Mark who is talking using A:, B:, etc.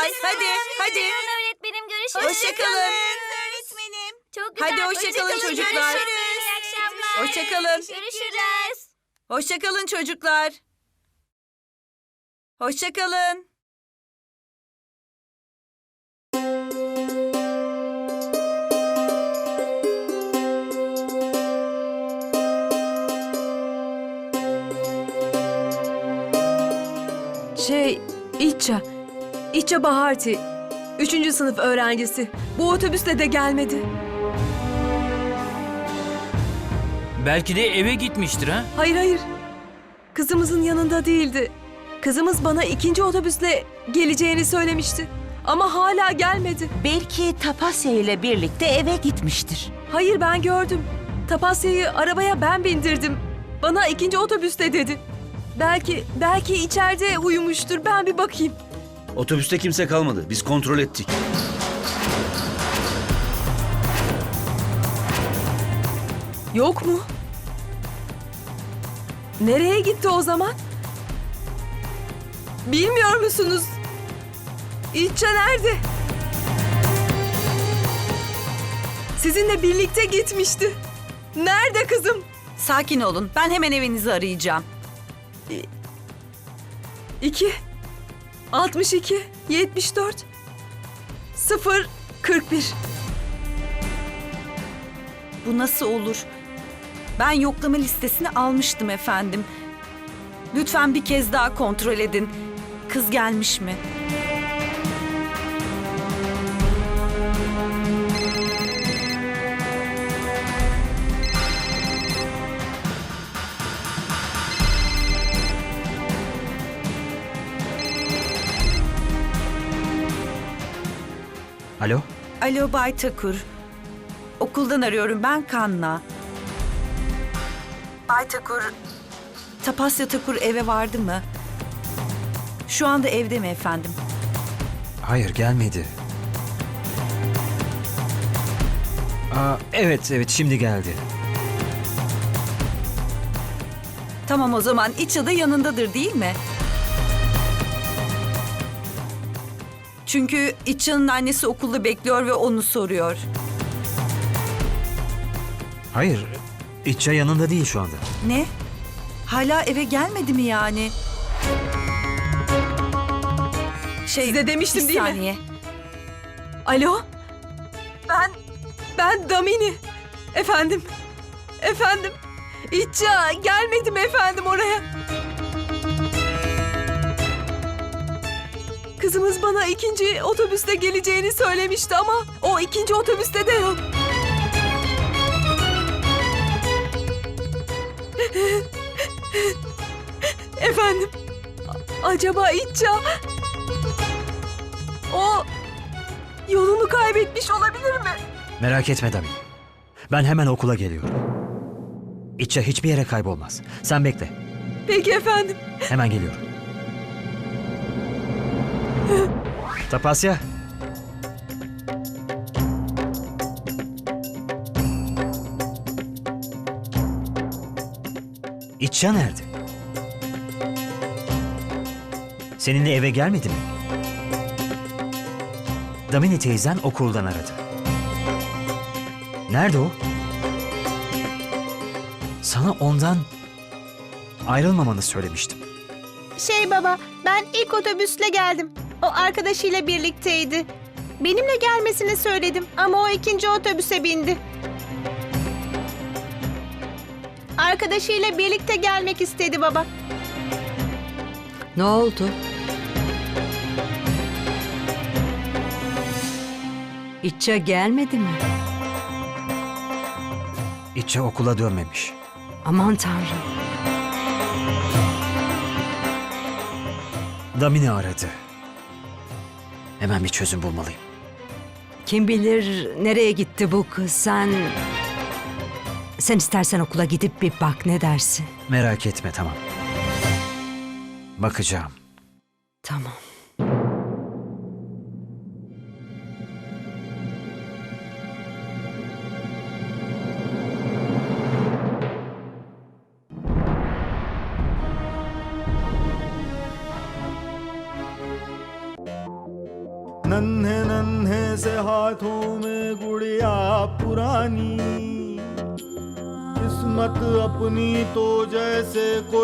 A: Hadi.
B: Öğretmenim görüşürüz.
A: Hoşçakalın.
B: Öğretmenim. Çok güzel.
A: Hadi hoşçakalın çocuklar.
B: Görüşürüz. İyi akşamlar.
A: Hoşçakalın.
B: Görüşürüz.
A: Hoşçakalın çocuklar. Hoşçakalın.
C: İtça Baharti. 3. sınıf öğrencisi. Bu otobüsle de gelmedi.
D: Belki de eve gitmiştir ha?
C: Hayır. Kızımızın yanında değildi. Kızımız bana 2. otobüsle geleceğini söylemişti. Ama hala gelmedi.
E: Belki Tapasya ile birlikte eve gitmiştir.
C: Hayır, ben gördüm. Tapasya'yı arabaya ben bindirdim. Bana 2. otobüste dedi. Belki içeride uyumuştur. Ben bir bakayım.
F: Otobüste kimse kalmadı. Biz kontrol ettik.
C: Yok mu? Nereye gitti o zaman? Bilmiyor musunuz? İtça nerede? Sizinle birlikte gitmişti. Nerede kızım?
A: Sakin olun. Ben hemen evinizi arayacağım.
C: 2 62 74 0 41.
A: Bu nasıl olur? Ben yoklama listesini almıştım efendim. Lütfen bir kez daha kontrol edin. Kız gelmiş mi?
D: Alo?
A: Alo Bay Takur. Okuldan arıyorum, ben Kanna. Bay Takur, Tapasya Takur eve vardı mı? Şu anda evde mi efendim?
G: Hayır, gelmedi. Evet, şimdi geldi.
A: Tamam, o zaman İça da yanındadır değil mi? Çünkü İça'nın annesi okulda bekliyor ve onu soruyor.
G: Hayır, İtça yanında değil şu anda.
A: Ne? Hala eve gelmedi mi yani?
C: Size demiştim
A: bir
C: değil mi?
A: saniye.
C: Alo? Ben Damini. Efendim. İtça gelmedi mi efendim oraya? Kızımız bana 2. otobüste geleceğini söylemişti ama o 2. otobüste de yok. Efendim, acaba İtça o yolunu kaybetmiş olabilir mi?
G: Merak etme Dami. Ben hemen okula geliyorum. İtça hiçbir yere kaybolmaz. Sen bekle.
C: Peki efendim.
G: Hemen geliyorum. Tapasya. İtça nerede? Seninle eve gelmedi mi? Damini teyzen okuldan aradı. Nerede o? Sana ondan ayrılmamanı söylemiştim.
H: Baba, ben ilk otobüsle geldim. O arkadaşıyla birlikteydi. Benimle gelmesini söyledim ama o 2. otobüse bindi. Arkadaşıyla birlikte gelmek istedi baba.
I: Ne oldu? İtça gelmedi mi?
G: İtça okula dönmemiş.
I: Aman Tanrım.
G: Damini aradı. Hemen bir çözüm bulmalıyım.
I: Kim bilir nereye gitti bu kız? Sen istersen okula gidip bir bak, ne dersin?
G: Merak etme, tamam. Bakacağım.
I: Tamam.
J: नन्हे नन्हे से हाथों में गुड़िया पुरानी, किस्मत अपनी तो जैसे कोई